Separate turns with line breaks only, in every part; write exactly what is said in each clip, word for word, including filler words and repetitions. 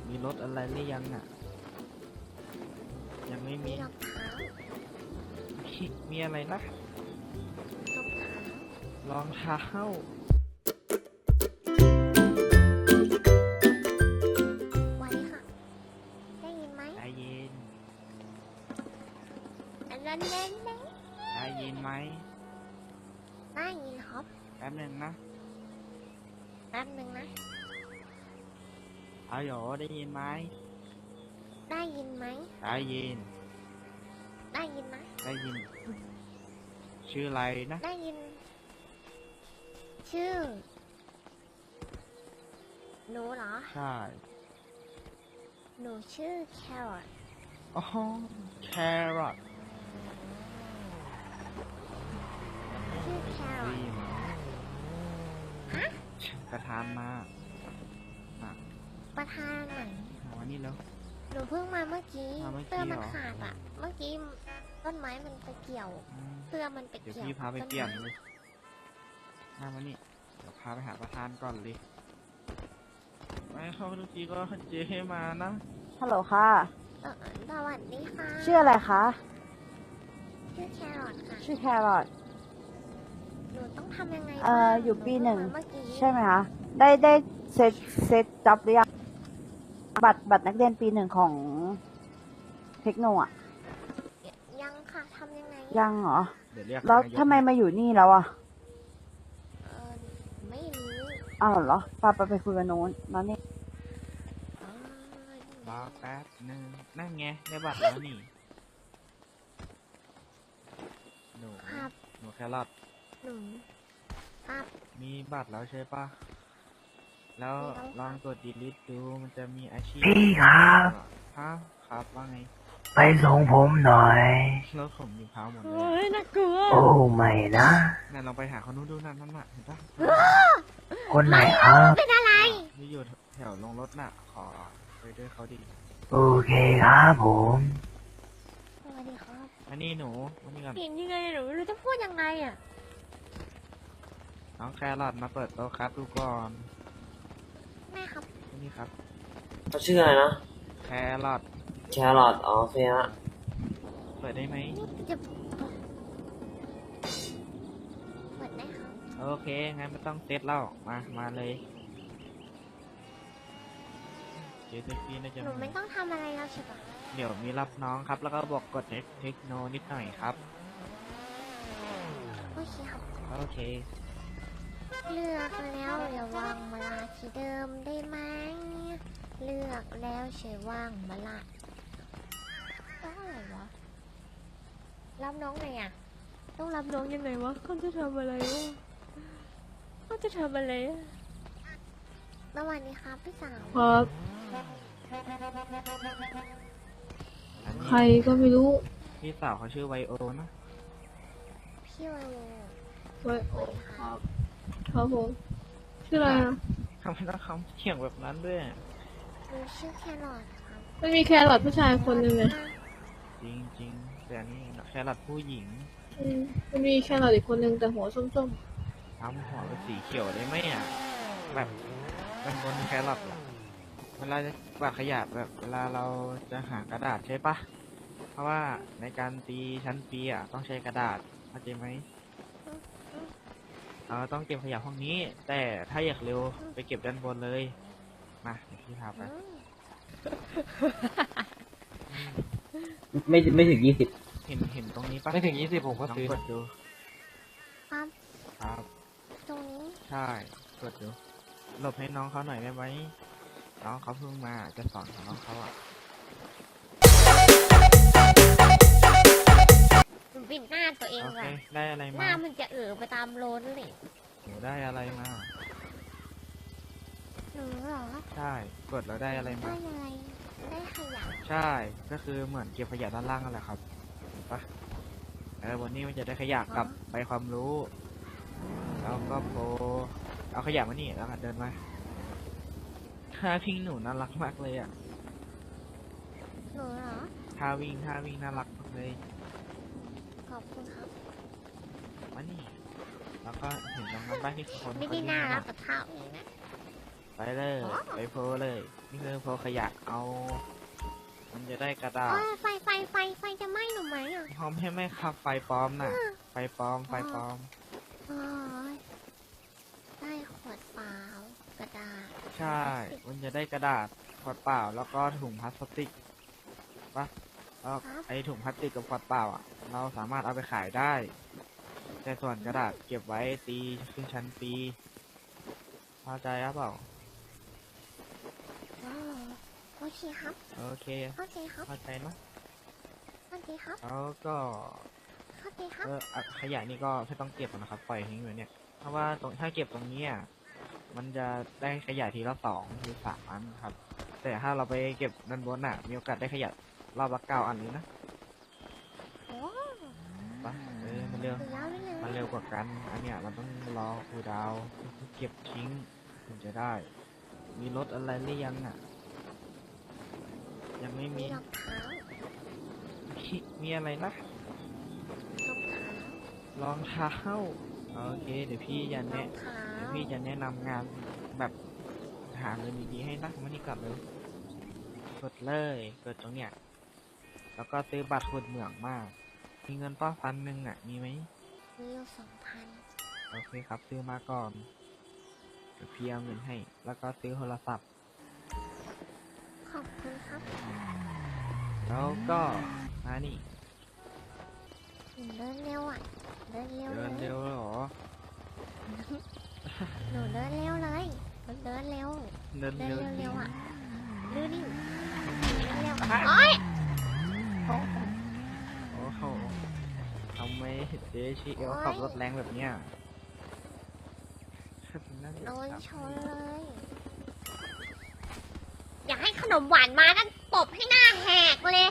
มีรถอะไรหรือยังอ่ะยังไม่มี
มีรองเท้า
มีมีอะไรนะ
รองเท้าร
องเท้า
ไว้ค่ะ ได้ยินไหม
ได้ยิน
อันนั้นแน่นแน่
ได้ยินไหม
ได้ยินครับ
แป๊บหนึงนะ
แป๊บนึงนะ
เอาโหยได้ยินไหม
ได้ยินไหม
ได้ยิน
ได้ยินนะ
ได้ยิน ชื่ออะไรนะ
ได้ยิน ชื่อ หนูเหรอ
ใช่
หนูชื่อแครอท
อ๋อแครอท
ชื่อแครอ
ได้
ท
ยิน
ฮะ
ประธานมาอ่ะ
ประธานไหน
เอาวันนี้แล้ว
หนูเพิ่งมาเมื่อกี้
มาเมื่อกี้
เสื้อมัน
เหรอ
ขาดอ่ะ เมื่อกี้ต้นไม้มันไปเกี่ยว
อืม
เสื้อมันไป
เดี๋ยว
เกี่ยว
พี่พาไป
ต้น
เปลี่ยน
ไม้
เลยมามานี่เดี๋ยวพาไปหาประธานก่อนเลยไม่เข้าทุกทีก็เจ๊ให้มานะ
ฮัลโหลค่ะ
เออสวัสดีค่ะ
ชื่ออะไรคะ
ชื่อแครอทค่ะ
ชื่อแครอท
หนูต้องทำยังไง
เอ่อ
บ้าง
อยู่ปีหนึ่ง
เมื่อกี้
ใช่ไหมคะ ได้ได้เซ็ตเซ็ตจ็อบหรือยัง บัตรบัตรนักเรียนปีหนึ่งของเทคโนอ่ะ
ยังค่ะทำยังไง
ยังเหรอ
เดี๋ยวเรียก
แล้ว
นายก
ทำไมมาอยู่นี่แล้วอ่ะ
เออไม่รู้
อ้าวเหรอปาไปไปคุยกับโน้นแล้วนี่
เออ
รอแป๊บหนึงนั่นไงได้บัตรแล้วนี่หนู
ครับ
หนูแครอท
หนูครับ
มีบัตรแล้วใช่ปะแล้ว
มีแล้ว
ลองกด delete ดูมันจะมีอาชีพ
พี่ครับ
ฮะครับว่าไง
ไปส่งผมหน่อย
รถผมอยู่เท้าหมดเลย
เฮ้ยน่ากลัว
โอ้ไม่นะ
นั่นลองไปหาคนนู้นดูนั่นนั่นน่ะเห็นปะ
คนไหนครับ
เป็นอะไร
ที่อยู่แถวลงรถน่ะ ขอไปด้วยเขาดิ
โอเคครับผม
สวัสดีครับ
อันนี้หนูวันนี้ก่อน
เห็นยังไงหนูไม่รู้จะพูดยังไงอ่ะ
น้องแครอทมาเปิดโต๊ะครับดูก่อน
แม่ครับ
นี่ครับ
เขาชื่ออะไรนะ
แครอท
แครอทอ๋อโอเคฮะ
เปิดได้ไหม
นี่จะเปิดได้ครับ
โอเคงั้นไม่ต้องเซตแล้วมามาเลยเจสซี่น่าจะ
หนูไม่ต้องทำอะไรแล้วใช่ปะ
เดี๋ยวมีรับน้องครับ แล้วก็บอกกดเทคเทคโนนิดหน่อยครับ
โอเคครับ
โอเค
เลือกแล้วอย่าวางมาลาที่เดิมได้ไหมเลือกแล้วใช้วางมาลาต้องอะไรวะรับน้องไงอ่ะต้องรับน้องยังไงวะเขาจะทำอะไรวะเขาจะทำอะไรอะสวัสดีครับพี่สาว
ครับ
อันนี้
ใครก็ไม่รู้
พี่สาวเขาชื่อไวโอนะ
พี่วาโว
ไว้
สวัสดีค
ค
รั
รั
บบ
ครับผมชื่ออะไรนะ
ทำไมต้องคำเขียงแบบนั้นด้วย
หนูชื่อแครอทครับ
มันมีแครอทผู้ชายคนหนึ่งเลย
จริงจริงๆแต่อันนี้แครอทผู้หญิง
อืมมันมีแครอทอีกคนหนึ่งแต่หัวส้ม
ทำหัวเป็นสีเขียวได้ไหมอ่ะแบบเป็นบนแครอทอะเวลาจะกวาดขยะแบบเวลาเราจะหากระดาษใช่ปะเพราะว่าในการตีชั้นปีอ่ะต้องใช้กระดาษเข้าใจไหมเราต้องเก็บขยะห้องนี้ แต่ถ้าอยากเร็วไปเก็บด้านบนเลยมาเดี๋ยวพี่พาไป
อืม
ไม่ไม่ถึงยี่สิบ
เห็นเห็นตรงนี้ปะ
ไม่ถึงยี่สิบผมก็
ลอง
ซื้อก
ดดู
ครับ
ครับ
ตรงนี้
ใช่กดดูหลบให้น้องเขาหน่อยได้ไหมน้องเขาเพิ่งมาจะสอนของน้องเขาอ่ะ
หนูปิดหน้าตัวเอง
โอเค
ว่ะ
ได้อะไร
ห
มา
น้ามันจะเอ๋อไปตามโลนเลย
หนูได้อะไรมา
หนูเหรอ
ใช่ กดแล้วได้อะไร
ได้
มา
อะไรได้ขยะ
ใช่ ก็คือเหมือนเก็บขยะด้านล่างนั่นแหละครับเห็นปะเออวันนี้มันจะได้ขยะกลับไปความรู้ แล้วก็โพเอาขยะมานี่แล้วก็เดินมาท่าพิงหนูน่ารักมากเลยอ่ะ
หนูเหรอ
ท่าวิ่งท่าวิ่งน่ารักมากเลย
ขอบคุณครับ
มานี่ แล้วก็เห็นตรงนั้นบ้างที่คน
ไม่
เขา
ได้
วิ่ง
น่ารั
มาก
กับเท่าเองนะ
ไปเลย ไปโพลเลย นี่คือโพลขยะเอา มันจะได้กระดาษ
โอ้ยไฟไฟไฟไฟจะไหม้หนูไหมอ่ะ
พร้อมให้ไหมครับไฟปลอมน่ะ ไฟปลอม ไฟปลอม
โอ้ยได้ขวดเปล่ากระดาษ
ใช่ มันจะได้กระดาษขวดเปล่า แล้วก็ถุงพลาสติกปะแล้วไอถุงพลาสติกกับขวดเปล่าอ่ะ เราสามารถเอาไปขายได้ แต่ส่วนกระดาษเก็บไว้ตีขึ้นชั้นปีเข้าใจครับเปล่า
อ๋อโอเคครับ
โอเค
เข้าใจครับ
เข้าใจเนอะ
เข้าใจครับ
แล้วก็
เข้าใจครับ
เอออ่ะขยะนี่ก็ไม่ต้องเก็บนะครับ ปล่อยทิ้งอยู่เนี่ย เพราะว่าตรงถ้าเก็บตรงเนี้ยมันจะได้ขยะทีละสองหรือสามอันครับ แต่ถ้าเราไปเก็บด้านบนน่ะ มีโอกาสได้ขยะรอบละเก้าอันเลยนะ
โอ้
ปะเออมันเร็ว
สุดยอดไปเลย
มันเร็วกว่ากัน อันเนี้ยมันต้องรอคูลดาวน์เก็บทิ้งถึงจะได้ มีรถอะไรหรือยังอ่ะ ยังไม่
มี
มี
รองเท้า
มีมีอะไรนะ
รองเท้าร
องเท้า โอเค เดี๋ยวพี่จะ
รอ
แนะ
งเท้า
เดี๋ยวพี่จะแนะนำงานแบบหาเงินดีๆให้นักมันนี่กลับเลยกดเลยกดตรงเนี้ย แล้วก็ซื้อบัตรขุดเหมืองมาก มีเงินป้าพันหนึ่งอ่ะ มีไหม
มีอยู่สองพัน
โอเคครับ ซื้อมาก่อนเดี๋ยวพี่เอาเงินให้ แล้วก็ซื้อโทรศัพท์
ขอบคุณครับ
แล้วก็มานี่
หนูเดินเร็วอ่ะ เดินเร็ว
เดิ
เล
น
ย
เร็วเหรอ
หนูเดินเร็วเลยหนูเดินเร็ว
เดิน
เดิน
เร็ว
เร็วๆอ่ะดูดิเดินเร็ว
อ่ะ
โอ๊ย
โอ้โหทำไมเจชีเอลขับรถแรงแบบเนี้ยนั่น
โดนชนเลย อยากให้ขนมหวานมานั่นตบให้หน้าแหกเลย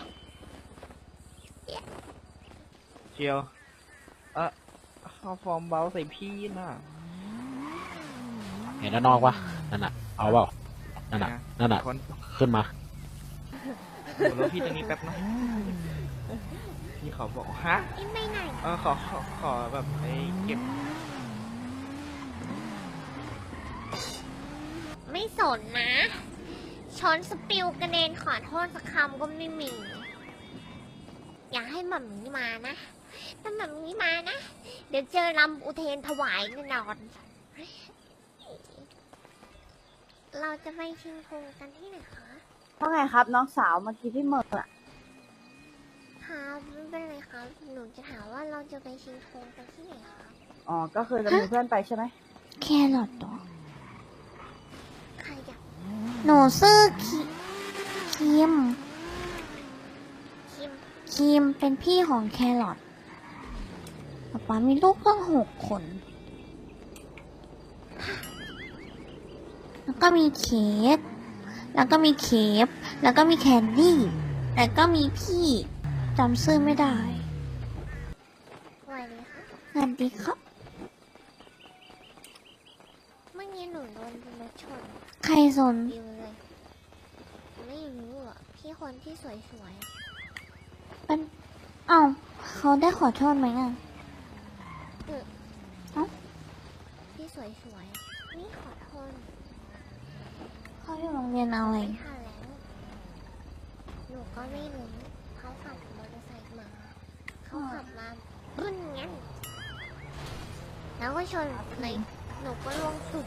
เชียว เออเอาฟอร์มเบาใส่พี่น่ะ
เห็นด้านนอกปะนั่นน่ะ เอาเปล่านั่นน่ะ นั่นน่ะ
คน
ขึ้นมา
โอ้รถพี่ตรงนี้แป๊บนะ พี่ขอบอกฮะ
อินไปไหน
เออขอขอขอแบบไอ้เก็บ
ไม่สนนะ ชนสปิลกระเด็นขอโทษสักคำก็ไม่มี อยากให้หม่ำนี้มานะ ถ้าหม่ำนี้มานะ เดี๋ยวเจอลำอุเทนถวายแน่นอน เราจะไปชิงธงกันที่ไหนคะ
ว่าไงครับ น้องสาวเมื่อกี้พี่เหมิร์อะ
ครับไม่เป็นไรครับ หนูจะถามว่าเราจะไปชิงธงกันที่ไหนคะ
อ๋อ ก็คือจะมีเพื่อนไปใช่ไหม
แครอทตัวใครอยากหนูซื้อคิคิม คิม คิมเป็นพี่ของแครอทป๊าป๊ามีลูกเพิ่งหกคน แล้วก็มีเค้ก แล้วก็มีเคฟแล้วก็มีแคนดี้ แล้วก็มีพี่จำชื่อไม่ได้สวัสดีครับสวัสดีครับ เมื่อกี้หนูโดนรถชน ใครสนวิวเลย ไม่รู้อ่ะ พี่คนที่สวยๆเป็นเอ้าเขาได้ขอโทษไหมอ่ะเออเอ้าพี่สวยๆนี่ขอโทษ เขาอยู่โรงเรียนอะไรไม่ทันแล้ว หนูก็ไม่รู้ เขาขับมอเตอร์ไซค์มา เขาขับมาบึ้นงั้น แล้วก็ชนเลยหนูก็ลงสุด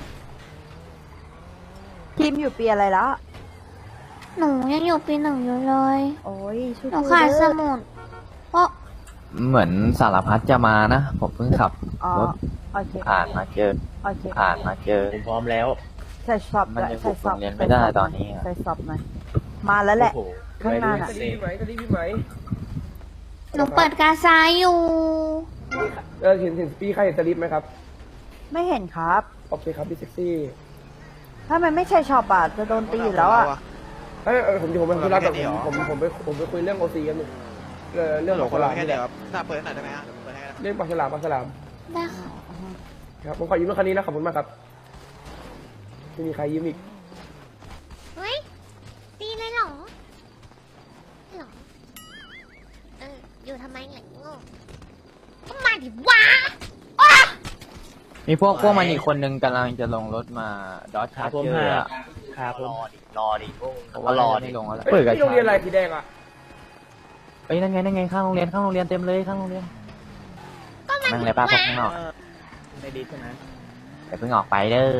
ทีมอยู่ปีอะไรแล้ว
หนูยังอยู่ปีหนึ่งอยู่เลย
โอ้ยชู
หนูขาดสมุดเพราะ
เหมือนสารพัดจะมานะ ผมเพิ่งขับ
อ๋อ
รถ
โอเค
ผ่านมาเจอ
โอเค
ผ่านมาเจอ
ผมพร้อมแล้ว
ใส่สอบ
มัน
ด้วย
ยัง
ใส่สอบ
บุกโรงเรียนไม่ได้ตอนนี้อะ
ใส่สอบหน่อย มาแล้วแหละ
โอ้โห
ข้างหน้าน่ะ
ไปดู
ไหมจะรีบไหม
หนูเปิดกาซายอยู่
เออเห็นเห็นพี่ใครเห็นสลิปไหมครับ
ไม่เห็นครับ
โอเคครับพี่เซ็กซี่
ถ้ามันไม่ใช่ชอบอ่ะจะโดนตีอยู่แล้วอ่ะ
เอ้ยเออผมผมไปคุยรับแต่ผมผมผมไปผมไปคุยเรื่องโอซีกันอยู่เออเรื่องปากฉลามนี่แหละ
ถ้าเปิดหน่อยได้ไหมฮะเปิดให้
เรื่องปากฉลามปากฉลาม
ได้ค่ะ
ครับผมขอยืมรถคันนี้นะขอบคุณมากครับไม่มีใครยืมอีก
เฮ้ย ตีเลยเหรอเหรอ เออ อยู่ทำไมเนี่ยโง่ก็มาดิวะอ้า
เมีพวกพวกมันอีกคนนึงกำลังจะลงรถมาดอทชาร์เจอร์อะ
ครับผม
รอดิผมว่ารอไม่ลงแล้วเปิดกับ
ที่โรงเรียนอะไรสีแดงอ่ะ
เอ้ยนั่นไงนั่นไงข้างโรงเรียนข้างโรงเรียนเต็มเลยข้างโรงเรียน
ก็มัน
นั่งเลยป้าพวกข้างนอก
ไม่ดีใช่ไหม
อย่าเพิ่งออกไปเด้อ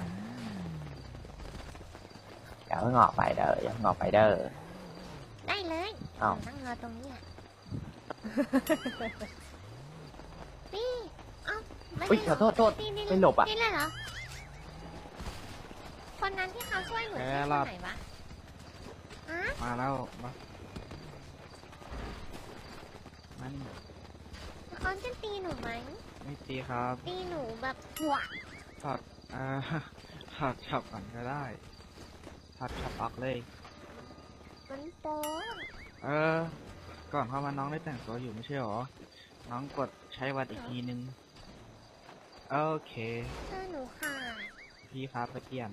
อย่าเพิ่งออกไปเด้ออย่าเพิ่งออกไปเด้อ
ได้เลย
อ้าว
นั่งรอตรงนี้แหละ นี่เอ้าไม่
อุ้ย
ได้
ขอโทษโทษ
นี่นี่
ไม่หลบอ่ะ
นี่เลยเหรอ คนนั้นที่เขาช่วยหนู
เอ
ชื่
อ
อ
ร
ค
อด
นไหนวะฮะ
มาแล้วมามัน
เขาจะตีหนูไหม
ไม่ตีครับ
ตีหนูแบบหัว
ถอดอ่า ถอดช็อปก่อนก็ได้ถอดช็อปออกเลย
มันโป๊ะ
เออ ก่อนเข้ามาน้องได้แต่งตัวอยู่ไม่ใช่หรอ น้องกดใช้วัดอีกทีนึง โอเค
เสื้อหนูขาด
พี่ครับไปเปลี่ยน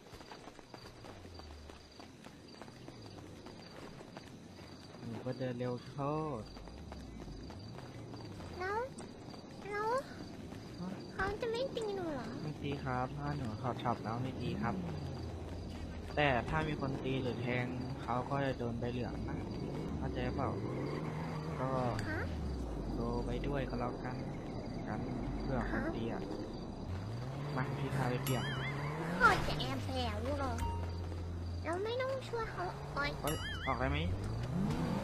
หนูก็เดินเร็วโทษ
แล้วแล้วเขาจะไม่ตีหนูเหรอ
ไม่ตีครับถ้าหนูถอดช็อปแล้วไม่ตีครับ แต่ถ้ามีคนตีหรือแทงเขาก็จะโดนใบเหลืองนะเข้าใจเปล่า ก็
ฮะ
โดนไปด้วยก็แล้วกัน กันเพื่อคนตีอ่ะ มาพี่พาไปเปลี่ยน
เขาจะแอบแฝงอยู่เหรอแล้วไม่ต้องช่วยเขาโอ๊ย
เอ้ยออกได้ไหม